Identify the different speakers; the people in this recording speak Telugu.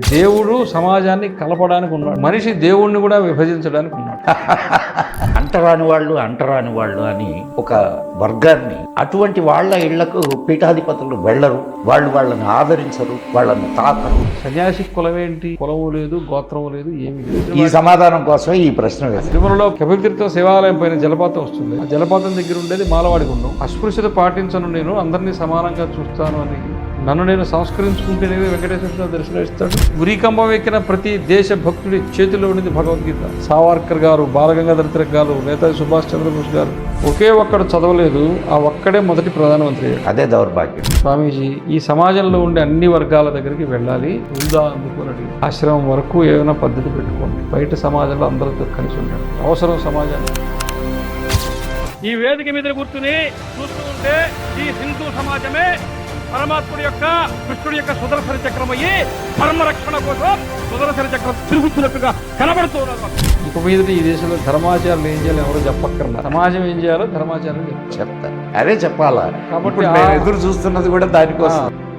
Speaker 1: దేవుడు సమాజాన్ని కలపడానికి ఉన్నాడు, మనిషి దేవుణ్ణి కూడా విభజించడానికి ఉన్నాడు.
Speaker 2: అంటరాని వాళ్ళు అని ఒక వర్గాన్ని, అటువంటి వాళ్ళ ఇళ్లకు పీఠాధిపతులు వెళ్ళరు, వాళ్ళని ఆదరించరు, వాళ్ళని తాకరు.
Speaker 1: సన్యాసి కులమేంటి? కులము లేదు, గోత్రము లేదు, ఏమీ లేదు.
Speaker 2: ఈ సమాధానం కోసమే ఈ ప్రశ్న వేశారు.
Speaker 1: తిరుమలలో కపిలతీర్థ శివాలయం పైన జలపాతం వస్తుంది. ఆ జలపాతం దగ్గర ఉండేది మాలవాడి గుండం. అస్పృశ్యత పాటించను, నేను అందరినీ సమానంగా చూస్తాను అని నన్ను నేను సంస్కరించుకుంటేనే వెంకటేశ్వర దర్శనమిస్తాడు. ఉరికంబం ఎక్కిన ప్రతి దేశ భక్తుడి చేతిలో ఉండేది భగవద్గీత. సావర్కర్ గారు, బాలగంగాధర తిలక్ గారు, నేతాజీ సుభాష్ చంద్రబోస్ గారు ఒకే ఒక్కడు చదవలేదు, ఆ ఒక్కడే మొదటి ప్రధానమంత్రి అయ్యాడు.
Speaker 2: అదే దౌర్భాగ్యం.
Speaker 1: స్వామీజీ ఈ సమాజంలో ఉండే అన్ని వర్గాల దగ్గరికి వెళ్ళాలి, ఉందా అందుకోనడి ఆశ్రమం వరకు ఏమైనా పద్ధతి పెట్టుకోండి, బయట సమాజంలో అందరితో కలిసి ఉండండి, అవసరం సమాజానికి.
Speaker 3: ఈ వేదిక మీద కూర్చుని చూస్తూ ఉంటే ఈ హిందూ సమాజమే పరమాత్ముడి యొక్క, కృష్ణుడి యొక్క సుదర్శన చక్రం అయ్యి ధర్మరక్షణ కోసం సుదర్శన చక్రం తిరుగుతున్నట్టుగా కనబడుతున్నారు.
Speaker 1: ఇక మీద ఈ దేశంలో ధర్మాచారాలు ఏం చేయాలో ఎవరో చెప్పక్కర్లా, సమాజం ఏం చేయాలో ధర్మాచారం
Speaker 2: చెప్తారు. అదే చెప్పాలా.
Speaker 1: కాబట్టి
Speaker 2: ఎదురు చూస్తున్నది కూడా దానికోసం.